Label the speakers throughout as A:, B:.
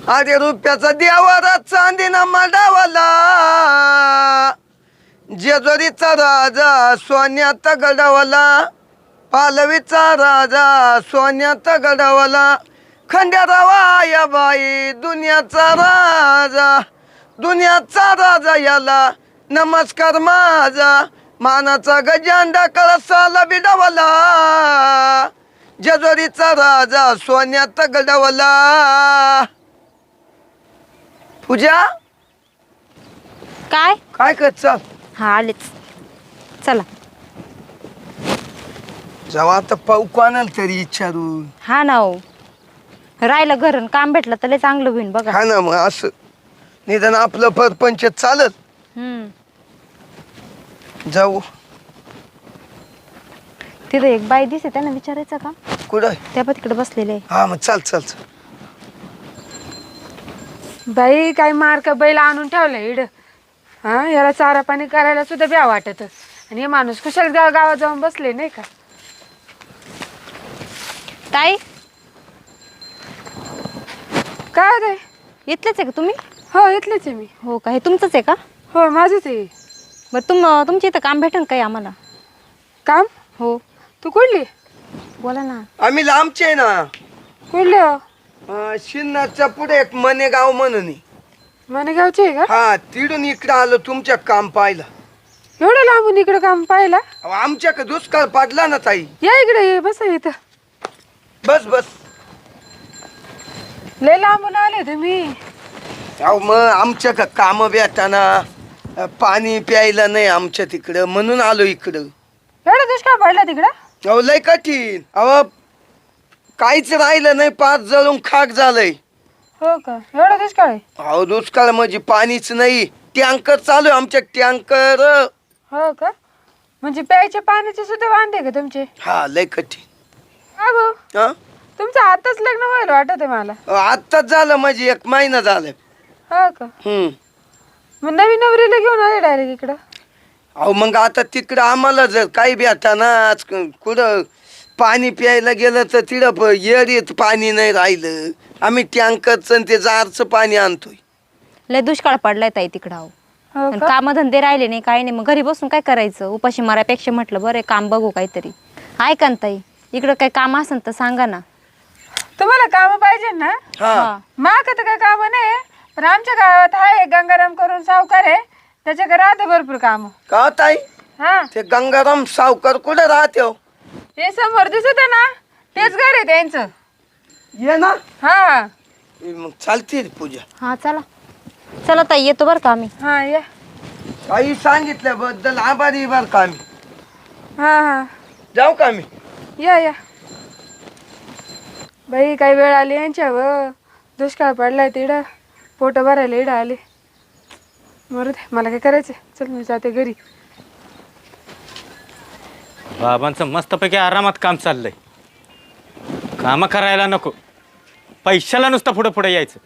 A: अरे रुपयाचा देवारा चांदीना मांडावाला, जेजुरीचा राजा सोन्याचा गडावाला, पालवीचा राजा सोन्याचा गडावाला, खंड्यारावा या बाई दुनियाचा राजा याला नमस्कार माझा, मानाचा गजांडा कळसाला बिडावाला, जेजुरीचा राजा सोन्याचा गडावाला. पूजा
B: काय
A: काय करत चाल?
B: हा आलेच. चला
A: जेव्हा आता पाऊ कोणाला तरी विचारून.
B: हा ना हो, राहिलं घर आणि काम भेटलं तर लय चांगलं होईल बघा.
A: हा ना, मग असं निदान आपलं परपंच चालत. जाऊ
B: तिथं एक बाई दिसते, त्यांना विचारायचं का?
A: कुठं?
B: त्या पण तिकडे बसलेले आहे.
A: हा मग चाल चाल चाल.
C: बाई काय मार्क बैल आणून ठेवलं इड. हा, याला चारा पाणी करायला सुद्धा ब्या वाटत. आणि हे माणूस कुशल गावात जाऊन बसले नाही का.
B: ताई
C: काय रे?
B: इथलेच आहे का तुम्ही?
C: हो इथलेच आहे मी.
B: हो का, हे तुमचंच आहे का?
C: हो माझंच आहे.
B: बरं तुमच्या इथं काम भेटेल काही आम्हाला?
C: काम?
B: हो.
C: तू कुठली?
B: बोला ना.
A: आम्ही लांबचे आहे ना.
C: कुठले हो?
A: शिन्नरच्या पुढे एक मनेगाव म्हणून आहे.
C: मनेगावचे आहे का?
A: हा, तिडून इकडं आलो तुमच्या काम पाहिलं.
C: एवढं लांबून इकडं काम पाहिला?
A: आमच्याकडे दुष्काळ पडला ना ताई.
C: या इकडे ये, बसा इथं.
A: बस बस.
C: लय लांबून आले तुम्ही.
A: अहो मग आमच्याकडे काम भेटाना, पाणी प्यायला नाही आमच्या तिकडं, म्हणून आलो इकडं.
C: एवढा दुष्काळ पडला तिकडं?
A: अहो लय कठीण. अहो काहीच राहिलं नाही, पाच जळून खाक झालंय.
C: हो का, एवढा दुष्काळ आहे?
A: अहो दुष्काळ म्हणजे पाणीच नाही. टँकर चालू आहे आमच्या, टँकर.
C: हो का, म्हणजे प्यायच्या पाण्याचे सुद्धा वांदे का तुमचे?
A: हा लय कठीण.
C: हा भाऊ,
A: हा
C: तुमचं आताच लग्न व्हायला वाटत आहे मला.
A: आत्ताच झालं, म्हणजे 1 महिना झालाय.
C: हो का, मग नवीन नवरीला घेऊन आले डायरेक्ट इकडं?
A: अहो मग आता तिकडं आम्हाला जर काही भेटाना, कुठं पाणी प्यायला गेलं तर तिकडं येरीत पाणी नाही राहिलं. आम्ही टँकरचं आणि ते जारचं पाणी आणतोय.
B: लय दुष्काळ पडलाय ताई तिकडं. अहो
C: हो
B: आणि
C: का?
B: कामधंदे राहिले नाही, काही नाही. मग घरी बसून काय करायचं? उपाशी मारायपेक्षा म्हटलं बरं काम बघू काहीतरी. ऐका ना ताई, इकडं काही काम असेल तर सांगा ना.
C: तुम्हाला काम पाहिजे ना?
A: हा
C: माग तर काय काम नाही, पण आमच्या गावात आहे गंगाराम करून सावकार आहे, त्याच्याकडे राहते भरपूर काम.
A: का ताई?
C: हा,
A: ते गंगाराम सावकार कुठे राहते हो?
C: ते समोर दिसत आहे ना, तेच घर आहे त्यांचं.
A: ये ना.
C: हा
A: मग चालते पूजा.
B: हा चला चला ताई, येतो बरं का आम्ही.
C: हा या.
A: काही सांगितल्याबद्दल आभारी बर का आम्ही.
C: हा हा
A: जाऊ का आम्ही?
C: या या. बाई काही वेळ आली यांच्यावर. दुष्काळ पडलाय तिकडं, पोट भरायला इडं आले. मरू दे, मला काय करायचं. चल मी जाते घरी.
D: बाबांचं मस्तपैकी आरामात काम चाललंय. कामं करायला नको, पैशाला नुसतं पुढं पुढे यायचं.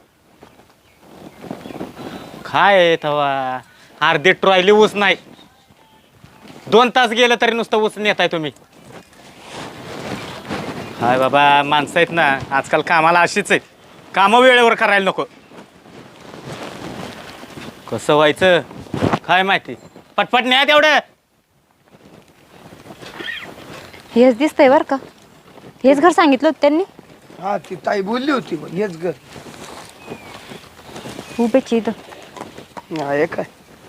D: काय तवा अर्धी ट्रॉयली ऊस नाही, 2 तास गेलं तरी नुसतं ऊस नेताय तुम्ही. हाय बाबा, माणसं आहेत ना आजकाल, कामाला अशीच आहेत. कामं वेळेवर करायला नको. कसं व्हायचं काय माहिती. पटपट न्या तेवढं.
B: हेच दिसतंय बरं का, हेच घर सांगितलं होतं त्यांनी.
A: हा ती ताई बोलली होती बघ, हेच घर.
B: उभेची इथं.
A: हे काय?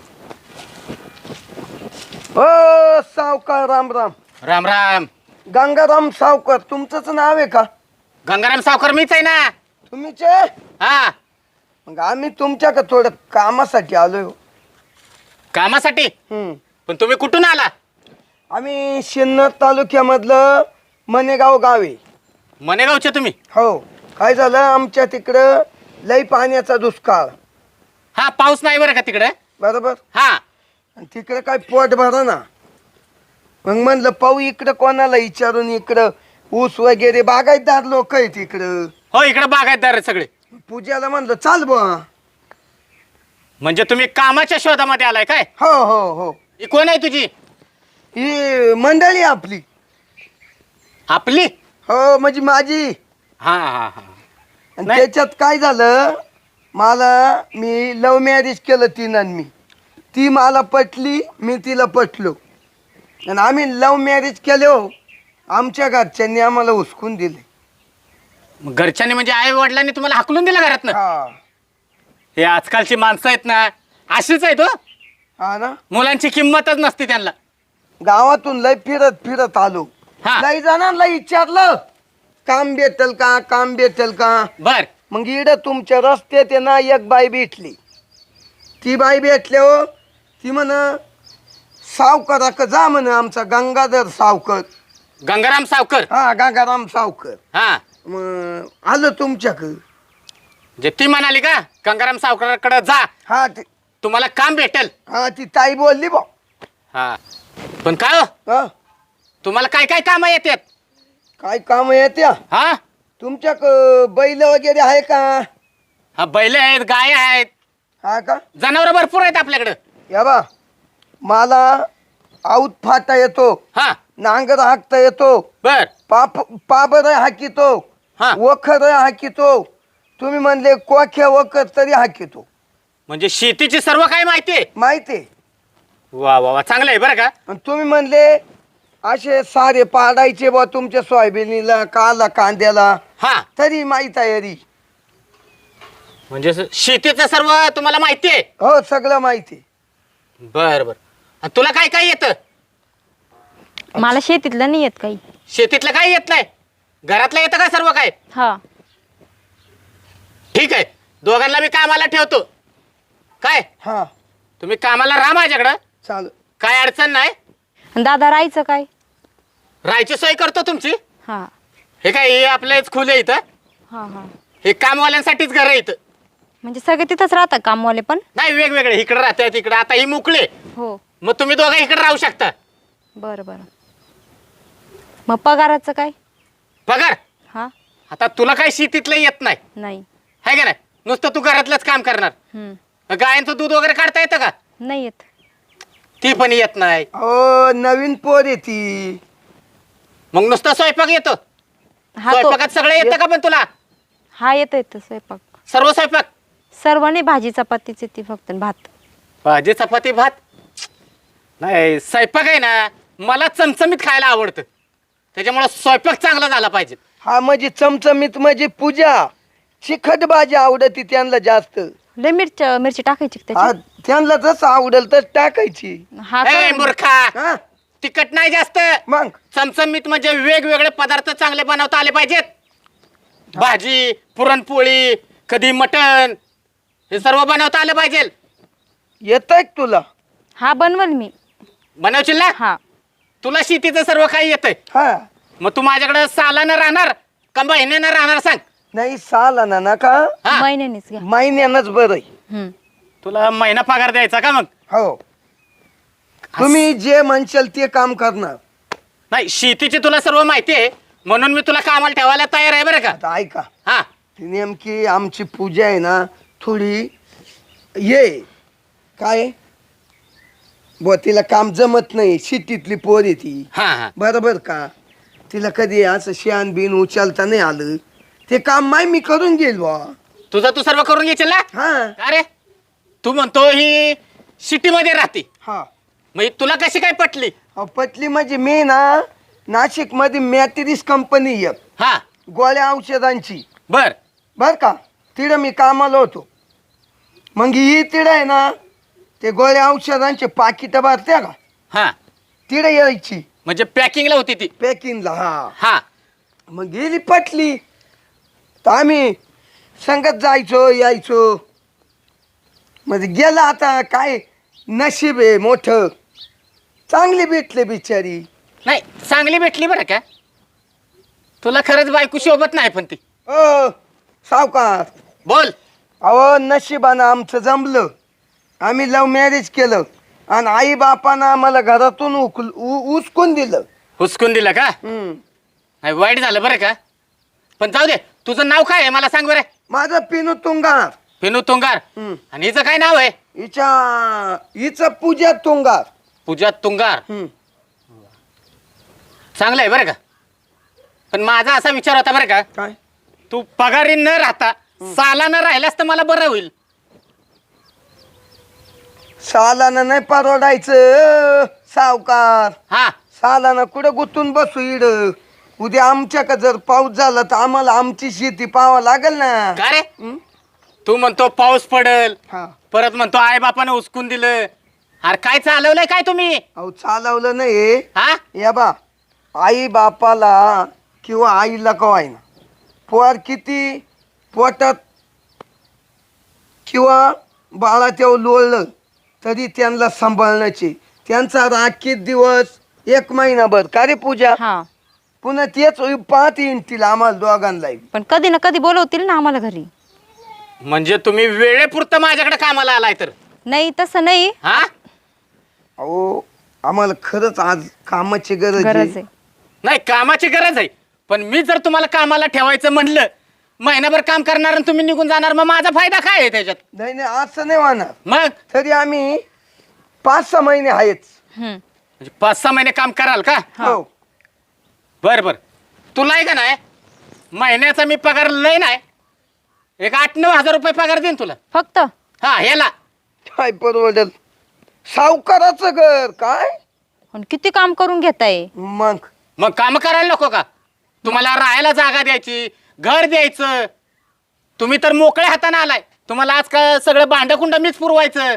A: ओ सावकार, राम राम.
D: राम राम.
A: गंगाराम सावकार तुमचंच नाव आहे का?
D: गंगाराम सावकार मीच आहे ना.
A: तुम्हीच आहे?
D: हा,
A: मग आम्ही तुमच्याकडे थोडं कामासाठी आलोय.
D: कामासाठी?
A: हम्म.
D: पण तुम्ही कुठून आला?
A: आम्ही सिन्नर तालुक्यामधलं मनेगाव गाव आहे.
D: मनेगावचे तुम्ही?
A: हो. काय झालं, आमच्या तिकडं लई पाण्याचा दुष्काळ.
D: हा, पाऊस नाही बरं का तिकडे.
A: बरोबर.
D: हा,
A: आणि तिकडं काय पोट भरा ना. मग म्हणलं पाहू इकडं कोणाला विचारून. इकडं ऊस वगैरे बागायतदार लोक आहेत इकडं.
D: हो इकडे बागायतदार आहे सगळे.
A: पूजाला म्हणलं चाल बुवा.
D: म्हणजे तुम्ही कामाच्या शोधामध्ये आलाय काय?
A: हो हो हो.
D: ही कोण आहे तुझी?
A: ही मंडळी आपली.
D: आपली?
A: हो म्हणजे माझी.
D: हा हा हा.
A: आणि त्याच्यात काय झालं, मी लव्ह मॅरेज केलं तिनं मी. ती मला पटली, मी तिला पटलो. आणि आम्ही लव्ह मॅरेज केले हो. आमच्या घरच्यांनी आम्हाला हुसकून दिले.
D: मग घरच्यांनी म्हणजे आई वडिलांनी तुम्हाला हाकलून दिलं घरातनं?
A: हा
D: हे आजकालची माणसं आहेत ना, अशीच आहेत हो.
A: हा ना.
D: मुलांची किंमतच नसते त्यांना.
A: गावातून लय फिरत फिरत आलो.
D: हा.
A: लय जणांना विचारलं काम भेटल का, काम भेटल का.
D: बर.
A: मग इकडं तुमच्या रस्त्यात आहे ना एक बाई भेटली. ती बाई भेटल्या हो. ती म्हण सावकाराक जा म्हण, आमचा गंगाधर सावकर.
D: गंगाराम सावकर.
A: हा गंगाराम सावकर.
D: हा
A: मग आलं तुमच्याकडं.
D: जे ती म्हणाली का गंगाराम सावकाराकडे जा,
A: हा
D: तुम्हाला काम भेटेल.
A: हा ती ताई बोलली बा.
D: हा पण काय हो,
A: हा
D: तुम्हाला काय काय कामं येतात?
A: काय काम येत्या
D: हा
A: तुमच्याक? बैल वगैरे आहे का?
D: हा बैल आहेत, गाय आहेत,
A: हा का?
D: जनावर भरपूर आहेत आपल्याकडं.
A: या बा मला आऊत फाटा येतो,
D: हा
A: नांगर हाकता येतो,
D: बर.
A: पाबर हाकितो,
D: हा.
A: वखर हाकितो. तुम्ही म्हणले कोख्या वखर तरी हाकितो.
D: म्हणजे शेतीची सर्व काय माहिती आहे?
A: माहिती आहे.
D: वा वा वा, चांगलं आहे बरं का.
A: आणि तुम्ही म्हणले असे सारे पाडायचे बा तुमच्या सोयाबीनीला, कांद्याला,
D: हा
A: तरी माहीत आहे री.
D: म्हणजे शेतीचं सर्व तुम्हाला माहिती आहे?
A: हो सगळं माहिती आहे.
D: बर बर. आणि तुला काय काय येतं?
B: मला शेतीतलं नाही येत काही.
D: शेतीतलं काय येत नाही? घरातलं येतं का सर्व काय?
B: हा.
D: ठीक आहे, दोघांना मी कामाला ठेवतो. काय
A: हा
D: तुम्ही कामाला राहा माझ्याकडं,
A: चाल.
D: काय अडचण नाही.
B: आणि दादा राहायचं काय?
D: राहायची सोय करतो तुमची.
B: हा
D: हे काय हे आपलेच खुले इथं,
B: हा हा.
D: हे कामवाल्यांसाठीच घर आहे इथं.
B: म्हणजे सगळे तिथंच राहतात कामवाले पण?
D: नाही, वेगवेगळे इकडे राहतात इकडे. आता ही मोकळे,
B: हो.
D: मग तुम्ही दोघं इकडे राहू शकता.
B: बरं बरं. मग पगाराचं काय?
D: पगार
B: हा.
D: आता तुला काय शेतीतलं येत नाही
B: नाही.
D: आहे का नाही? नुसतं तू घरातलंच काम करणार. गायांचं दूध वगैरे काढता येतं का?
B: नाही येत.
D: ती पण येत नाही.
A: हो नवीन पोर आहे ती.
D: मग नुसतं स्वयंपाक येतो?
B: हा तो
D: स्वयंपाकात सगळं येतं का पण तुला?
B: हा येतं स्वयंपाक.
D: सर्व स्वयंपाक?
B: सर्व नाही, भाजी चपातीच येते फक्त, भात.
D: भाजी चपाती भात नाही. स्वयंपाक आहे ना, मला चमचमीत खायला आवडतं, त्याच्यामुळे स्वयंपाक चांगला झाला पाहिजे.
A: हा म्हणजे चमचमीत म्हणजे पूजा. चिकट भाजी आवडती त्यांना जास्त.
B: लय मिरची टाकायची का
A: हा
B: त्याची?
A: त्यांना जसं आवडेल तस टाकायची.
B: हा
D: ए
B: का?
D: मूर्खा,
A: हा
D: तिखट नाही जास्त.
A: मग
D: चमचमीत म्हणजे वेगवेगळे पदार्थ चांगले बनवता आले पाहिजेत. भाजी, पुरणपोळी, कधी मटण, हे सर्व बनवता आलं पाहिजे.
A: येत आहे तुला?
B: हा बनवल मी.
D: बनवशील ना?
B: हा.
D: तुला शेतीचं सर्व काही येतंय.
A: हा
D: मग तू माझ्याकडे सालानं राहणार का महिन्यानं राहणार सांग?
A: नाही साला ना नका,
D: हा.
B: महिन्यानेच घ्या.
A: महिन्यानंच बरं आहे.
D: तुला महिना पगार द्यायचा का मग?
A: हो तुम्ही जे म्हणशाल ते काम करणार.
D: नाही, शेतीची तुला सर्व माहिती आहे म्हणून मी तुला कामाला ठेवायला तयार आहे बरं का.
A: आता ऐका,
D: हा
A: ती नेमकी आमची पूजा आहे ना थोडी ये काय बुवा, तिला काम जमत नाही. शेतीतली पोर आहे ती.
D: हा हा.
A: बरोबर का? तिला कधी असं शेण बिन उचलता नाही आलं, ते काम माय मी करून घेईल बा.
D: तुझं तू सर्व करून घेशील ना?
A: हा
D: अरे तू म्हणतो ही सिटीमध्ये राहते,
A: हा
D: मग ही तुला कशी काय पटली?
A: अहो, पटली म्हणजे मी ना नाशिक मध्ये मॅट्रिक्स कंपनी एक
D: हा
A: गोळ्या औषधांची,
D: बर
A: बर का, तिथं मी कामाला होतो. मग ही तिथं आहे ना ते गोळ्या औषधांचे पाकिट भरत्या का,
D: हा.
A: तिथं यायची
D: म्हणजे पॅकिंगला होती ती?
A: पॅकिंगला. हा
D: हा
A: मग गेली पटली तर आम्ही संगत जायचो यायचो. म्हणजे गेला आता काय नशीब आहे मोठं, चांगली भेटले बिचारी.
D: नाही, चांगली भेटली बरं का. तुला खरंच बायको शोभत नाही पण ती.
A: ओ सावकार,
D: बोल.
A: अहो नशिबानं आमचं जमलं. आम्ही लव्ह मॅरेज केलं आणि आई बापानं आम्हाला घरातून उचकून दिलं.
D: हुसकून दिलं का? नाही, वाईट झालं बरं का. पण जाऊ दे, तुझं नाव काय आहे मला सांग बरं.
A: माझं पिनू तुंगार.
D: पिनू तुंगार. आणि हिचं काय नाव आहे?
A: हिचं पूजा तुंगार.
D: पूजा तुंगार. चांगलं आहे बरं का. पण माझा असा विचार होता बरं का,
A: काय?
D: तू पगारी न राहता सालानं राहिल्यास तर मला बरं होईल.
A: सालानं नाही परवडायचं सावकार.
D: हा
A: सालानं कुठं गुतून बसू इड. उद्या आमच्याकडे जर पाऊस झाला तर आम्हाला आमची शेती पाहावं लागेल ना.
D: का रे
A: हं?
D: तू म्हणतो पाऊस पडल,
A: हा.
D: परत म्हणतो आई बापाने उचकून दिलं. अरे काय चालवलंय काय तुम्ही?
A: अहो चालवलं नाही.
D: हा
A: या बा आई बापाला किंवा आईला कवाय ना पोर किती पोटात किंवा बाळा तेव्हा लोळलं तरी त्यांना सांभाळण्याचे त्यांचा राखीत दिवस 1 महिनाभर का रे पूजा.
B: हा
A: पुन्हा तेच पाहत येईल आम्हाला दोघांना.
B: पण कधी ना कधी बोलवतील ना आम्हाला घरी.
D: म्हणजे तुम्ही वेळेपुरतं माझ्याकडे कामाला आलाय तर?
B: नाही तसं नाही,
D: हा
A: अहो आम्हाला खरंच आज कामाची गरज
B: गरज
A: आहे.
B: आहे.
D: नाही कामाची गरज आहे, पण मी जर तुम्हाला कामाला ठेवायचं म्हणलं, महिनाभर काम करणार आणि तुम्ही निघून जाणार, मग माझा फायदा काय आहे त्याच्यात?
A: नाही नाही असं नाही होणार.
D: मग
A: तरी आम्ही 5-6 महिने आहेच.
B: हम्म.
D: म्हणजे 5-6 महिने काम कराल का?
A: हो.
D: बर बर. तुला आहे का नाही महिन्याचा मी पगार लय नाही, एक 8-9 हजार रुपये पगार देईन तुला.
B: फक्त
D: हा ह्याला
A: काय परवडल. सावकाराचं घर काय
B: पण किती काम करून घेताय.
A: मग.
D: मग काम करायला नको का? तुम्हाला राहायला जागा द्यायची, घर द्यायचं. तुम्ही तर मोकळ्या हाताने आलाय. तुम्हाला आज का सगळं भांडकुंड मीच पुरवायचं.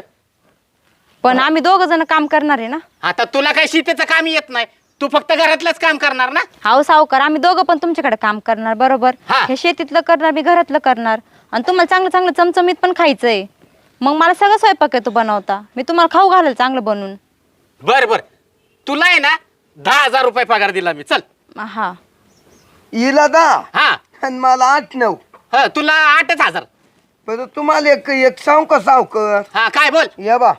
B: पण आम्ही 2 जण काम करणार आहे ना.
D: आता तुला काही शेतीचं काम येत नाही, तू फक्त घरातलंच काम करणार ना.
B: हाव सावकार, आम्ही 2 पण तुमच्याकडे काम करणार बरोबर.
D: हा.
B: हे शेतीतलं करणार, मी घरातलं करणार. आणि तुम्हाला चांगलं चांगलं चमचमीत पण खायचंय. मग मला सगळं स्वयंपाक येतो बनवता. मी तुम्हाला खाऊ घालेल चांगलं बनवून.
D: बर बर. तुला आहे ना 10,000 रुपये पगार दिला मी. चल.
B: हा
A: हिला 10
D: हा
A: आणि मला 8-9.
D: हा तुला 8,000.
A: बरं तुम्हाला एक सांग का सावकर.
D: हा काय बोल.
A: या बा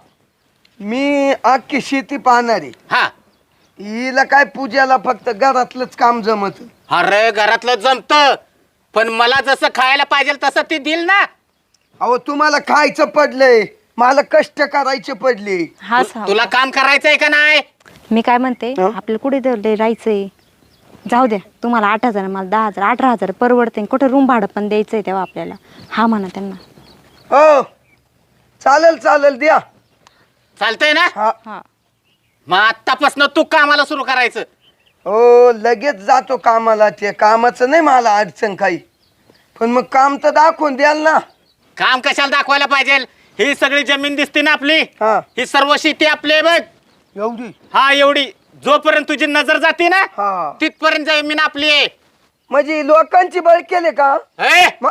A: मी अख्खी शेती पाहणारी.
D: हा
A: हिला काय पूजाला फक्त घरातलंच काम जमत.
D: अरे घरातलं जमत, पण मला जसं खायला पाहिजे तसं ती दिल ना.
A: अहो तुम्हाला खायचं पडलंय, मला कष्ट करायचे पडले.
B: हा सावकार.
D: तुला काम करायचंय का नाही?
B: मी काय म्हणते,
A: हं?
B: आपल्याला कुठे राहायचंय. जाऊ द्या, तुम्हाला 8,000 मला 10,000, 18,000 परवडते. कुठे रूम भाडं पण द्यायचंय तेव्हा आपल्याला. हा म्हणा त्यांना.
A: हो चालेल चालेल द्या.
D: चालतंय ना?
A: हा.
B: हा
D: मग आत्तापासून तू कामाला सुरू करायचं.
A: हो लगेच जातो कामाला. ते कामाचं नाही मला अडचण काही, पण मग काम तर दाखवून द्याल ना.
D: काम कशाला दाखवायला पाहिजे? ही सगळी जमीन दिसते ना आपली,
A: हा.
D: ही सर्व शेती आपली आहे बघ.
A: एवढी.
D: हा एवढी. जोपर्यंत तुझी नजर जाते ना
A: हा.
D: तिथपर्यंत जमीन आपली आहे.
A: म्हणजे लोकांची बळ केले का.
D: ए,
A: मग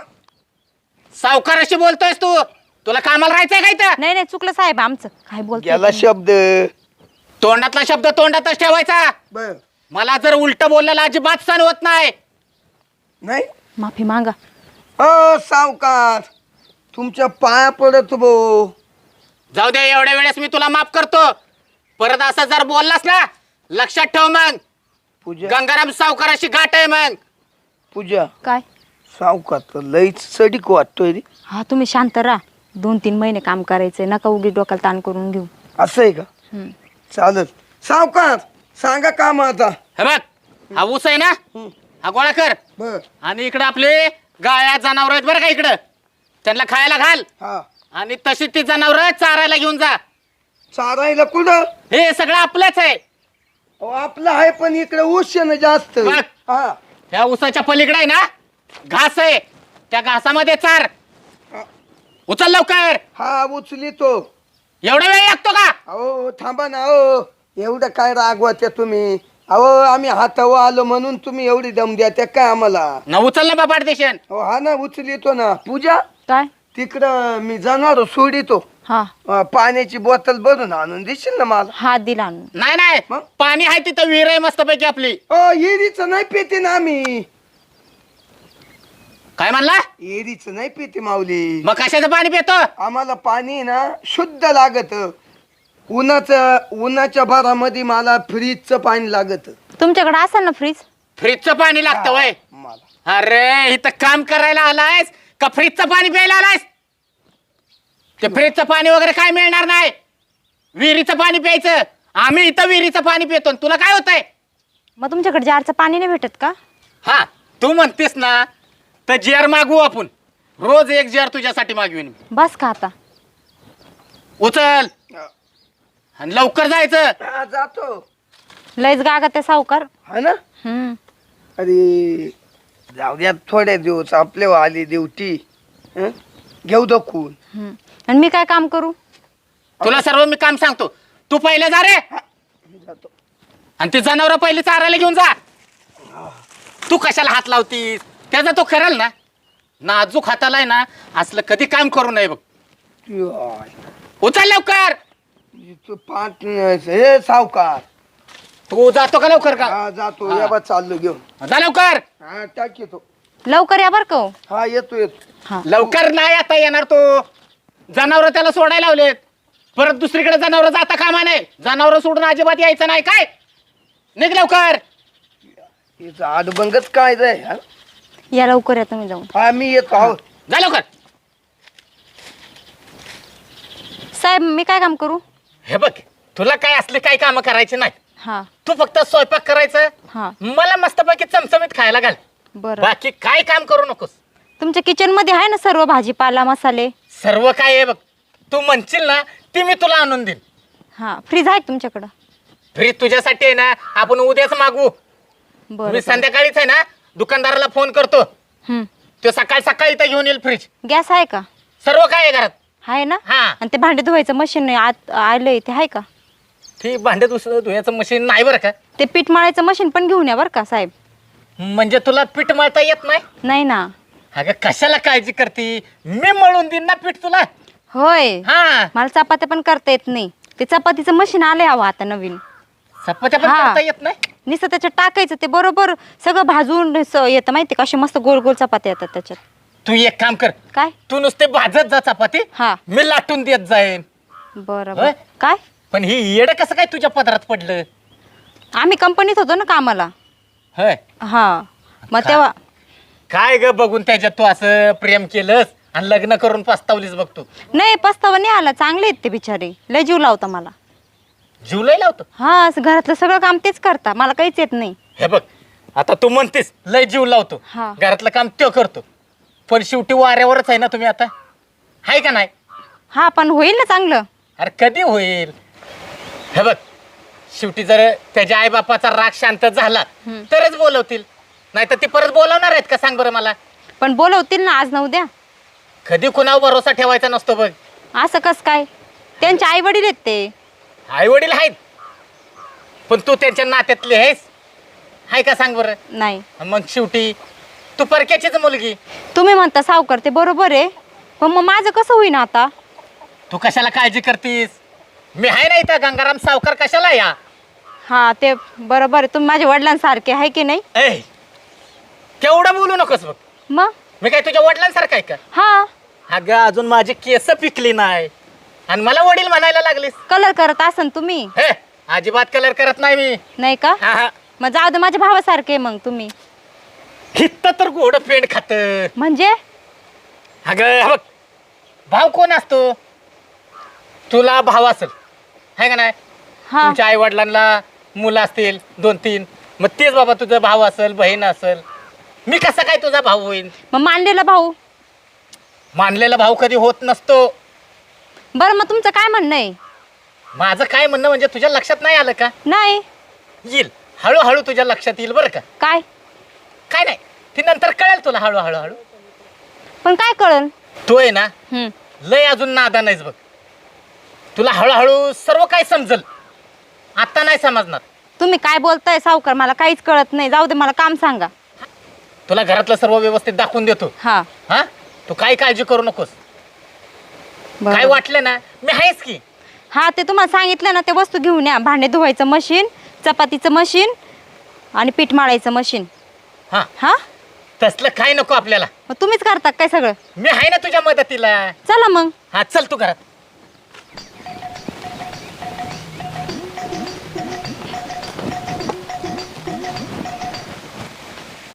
D: सावकाराशी बोलतोयस तू? तुला कामाला राहायचंय काय तर?
B: नाही नाही, चुकलं साहेब आमचं. काय
A: गेला
B: बोलतो
A: शब्द.
D: तोंडातला शब्द तोंडातच ठेवायचा.
A: बर
D: मला जर उलट बोललेला अजिबात सण होत नाही.
A: नाही.
B: माफी मागा.
A: सावकार तुमच्या पाया पडत भो.
D: जाऊ दे, एवढ्या वेळेस मी तुला माफ करतो. परत असं जर बोललास ना लक्षात ठेव. मग
A: पूजा
D: गंगाराम सावकाराशी गाठ आहे. मग
A: पूजा
B: काय.
A: सावकार तर लईच सडीक वाटतोय रे.
B: हा तुम्ही शांत राहा. 2-3 महिने काम करायचंय. नका उगीच डोक्याला ताण करून घेऊ.
A: असं आहे का.
B: हम्म.
A: चालत सावकार सांगा काम आता.
D: हे बघ, हा ऊस आहे ना, हा गोळा कर.
A: बर.
D: आणि इकडे आपले गाया जनावर आहेत बरं का, इकडं त्यांना खायला घाल.
A: हा.
D: आणि तशी ती जनावर चारायला घेऊन जा.
A: चारायला कुठं.
D: हे सगळं आपलंच आहे.
A: अहो, आपलं आहे पण इकडे ऊस आहे ना जास्त.
D: बघ.
A: हा.
D: ह्या ऊसाच्या पलीकडे आहे ना घास आहे, त्या घासामध्ये चार. उचल लवकर.
A: हा उचली तो.
D: एवढा वेळ लागतो का?
A: अहो थांबा ना. अहो एवढं काय रागवात्या तुम्ही. अहो आम्ही हातावर आलो म्हणून तुम्ही एवढी दम द्या त्या काय आम्हाला.
D: न उचल ना बाबा देशन.
A: अहो हा ना उचलितो ना. पूजा
B: काय.
A: तिकडं मी जाणार सोडितो.
B: हा
A: पाण्याची बॉटल भरून आणून देशील ना मला.
B: हात दिला आणून.
D: नाही नाही,
A: मग?
D: पाणी आहे तिथं, विहीर आहे मस्तपैकी आपली.
A: एरीचं नाही पेते ना आम्ही.
D: काय म्हणला?
A: एरीचं नाही पेते माऊली.
D: मग कशाचं पाणी पितो?
A: आम्हाला पाणी ना शुद्ध लागत. उन्हाच्या भरामध्ये मला फ्रीजचं पाणी लागत.
B: तुमच्याकडे असेल ना फ्रीज.
D: फ्रीजचं पाणी लागतं वय.
A: मला
D: अरे इथं काम करायला आलायस का फ्रीजचं पाणी प्यायला आलायस? ते फ्रीजचं पाणी वगैरे काय मिळणार नाही. विहिरीचं पाणी प्यायचं. आम्ही इथं विहिरीचं पाणी पितो. तुला काय होतंय?
B: मग तुमच्याकडे जारचं पाणी नाही भेटत का.
D: हा तू म्हणतेस ना, तर जार मागू आपण. रोज एक जार तुझ्यासाठी मागवीन मी.
B: बस का आता?
D: उचल आणि लवकर जायचं.
A: हा, जातो
B: लयच गागा ते सावकार.
A: हा ना. अरे जाऊ द्या थोड्या दिवस आपले आली ड्युटी घेऊ दखून.
B: आणि मी काय काम करू?
D: तुला सर्व मी काम सांगतो. तू पहिले जा रे
A: जातो.
D: आणि ते जनावर पहिले चारायला घेऊन जा. तू कशाला हात लावतीस? त्याचा तो करेल ना. नाजूक हाताला आहे ना असलं कधी काम करू नये बघ.
A: याय,
D: उचल लवकर.
A: इथं पाठ हे सावकार.
D: तू जातो का लवकर का?
A: हा जातो. या बा चाललो घेऊन.
D: जा लवकर.
A: हा टाक येतो.
B: लवकर या बरं का हो.
A: हा येतो येतो.
B: हा.
D: लवकर नाही आता येणार तो. जनावर त्याला सोडायला लावलेत. परत दुसरीकडे जनावर जाता कामा नाही. जनावर सोडून अजिबात यायचं नाही काय. निघ लवकर.
A: हिचं आडबंगच काय रे. हा?
B: या लवकर या तुम्ही जाऊन.
A: हा मी येतो. हो.
D: जा लवकर.
B: साहेब मी काय काम करू?
D: हे बघ तुला काय असले काय काम करायचे नाही.
B: हा
D: तू फक्त स्वयंपाक करायचं.
B: हा
D: मला मस्तपैकी चमचमीत खायला घाल.
B: बरं.
D: बाकी काय काम करू नकोस.
B: तुमच्या किचन मध्ये आहे ना सर्व भाजीपाला मसाले?
D: सर्व काय आहे बघ. तू म्हणशील ना ती मी तुला आणून देईन.
B: हा फ्रीज आहे का तुमच्याकडं?
D: फ्रीज तुझ्यासाठी आहे ना आपण उद्याच मागवू.
B: बरं
D: मी संध्याकाळीच आहे ना दुकानदाराला फोन करतो.
B: हम्म.
D: तो सकाळी इथं घेऊन येईल फ्रीज.
B: गॅस आहे का?
D: सर्व काय आहे घरात.
B: आहे ना.
D: हा.
B: आणि ते भांडे धुवायचं मशीन आत आलंय ते आहे का?
D: ती भांडे धुयाचं मशीन नाही बरं का.
B: ते पीठ मळायचं मशीन पण घेऊन या बरं का साहेब.
D: म्हणजे तुला पीठ मळता येत नाही.
B: नाही ना.
D: अगं कशाला काळजी करती. मी मळून देईन ना पीठ तुला.
B: होय.
D: हा
B: मला चपात्या पण करता येत नाही. ते चपातीचं मशीन आलंय हवं आता नवीन.
D: चपात्या पण
B: हा.
D: करता येत नाही.
B: नुसतं त्याच्यात टाकायचं ते बरोबर सगळं भाजून येतं माहिती का. असे मस्त गोल गोल चपात्या येतात त्याच्यात.
D: तू एक काम कर.
B: काय?
D: तू नुसते भाजत जा चपाती.
B: हा.
D: मी लाटून देत जाईन.
B: बरं
D: होय?
B: बरं. काय?
D: पण ही येड कसं काय तुझ्या पदरात पडलं.
B: आम्ही कंपनीत होतो ना कामाला.
D: होय
B: हा मग तेव्हा
D: काय ग बघून त्याच्यात तू असं प्रेम केलंस आणि लग्न करून पस्तावलीस बघतो.
B: नाही पस्तावा नाही आला. चांगले आहेत ते बिचारे. लय जीव लावता मला.
D: जुलै लावतो.
B: हा घरातलं सगळं काम तेच करता. मला काहीच येत नाही.
D: हे बघ आता तू म्हणतेस लय जीव लावतो.
B: हा.
D: घरातलं काम तो करतो. पण शेवटी वाऱ्यावरच आहे ना तुम्ही आता. आहे का नाही.
B: हा पण होईल ना चांगलं.
D: अरे कधी होईल. हे बघ शेवटी जर त्याच्या आईबापाचा राग शांत झाला तरच बोलवतील. नाही तर ते परत बोलवणार आहेत का सांग बरं मला.
B: पण बोलवतील ना आज ना उद्या.
D: कधी कुणावर भरोसा ठेवायचा नसतो बघ.
B: असं कस काय? त्यांचे आई वडील आहेत ते.
D: आई वडील आहेत पण तू त्यांच्या नात्यातली आहेस. आहे का सांग बरं.
B: नाही.
D: मग शेवटी तू परक्याचीच मुलगी.
B: तुम्ही म्हणता सावकार ते बरोबर आहे. पण मग माझं कसं होईना आता?
D: तू कशाला काळजी करतीस. मी आहे ना इथं. गंगाराम सावकार कशाला या.
B: हा ते बरोबर आहे. तुम्ही माझ्या वडिलांसारखे आहे की नाही?
D: ऐ केवढं बोलू नकोस बघ.
B: मग
D: मी काय तुझ्या वडिलांसारखं आहे का.
B: हा
D: अगं अजून माझी केस पिकली नाही आणि मला वडील म्हणायला लागलीस.
B: कलर करत असन तुम्ही.
D: हे अजिबात कलर करत नाही मी.
B: नाही का?
D: हा हा.
B: मग जाऊ दे माझ्या भावासारखे मग तुम्ही.
D: हित्त तर गोड पेंड खात.
B: म्हणजे
D: अगं हे बघ भाव कोण असतो. तुला भाव असेल आहे का नाही.
B: हा
D: तुमच्या आई वडिलांना मुलं असतील 2-3. मग तेच बाबा तुझा भाव असेल बहीण असेल. मी कसा काय तुझा भाऊ होईन.
B: मग मानलेला भाऊ.
D: मानलेला भाऊ कधी होत नसतो.
B: बरं मग तुमचं काय म्हणणं आहे?
D: माझं काय म्हणणं म्हणजे तुझ्या लक्षात नाही आलं का.
B: नाही.
D: येईल हळूहळू तुझ्या लक्षात येईल बरं का.
B: काय?
D: काय नाही ती नंतर कळेल तुला हळूहळू हळू.
B: पण काय कळल?
D: तू आहे ना लय अजून नादान आहेस बघ. तुला हळूहळू सर्व काय समजल. आता नाही समजणार.
B: तुम्ही काय बोलताय सावकार? मला काहीच कळत नाही. जाऊ दे मला काम सांगा.
D: तुला घरातलं सर्व व्यवस्थित दाखवून देतो.
B: हा
D: हा तू काही काळजी करू नकोस.
B: बरं.
D: काय वाटलं ना मी आहेस की.
B: हा ते तुम्हाला सांगितलं ना ते वस्तू घेऊन या. भांडे धुवायचं मशीन, चपातीचं मशीन आणि पीठ माळायचं मशीन.
D: हा
B: हा
D: तसलं काय नको आपल्याला.
B: मग तुम्हीच करता काय सगळं?
D: मी आहे ना तुझ्या मदतीला.
B: चला मग.
D: हा चल तू घरात.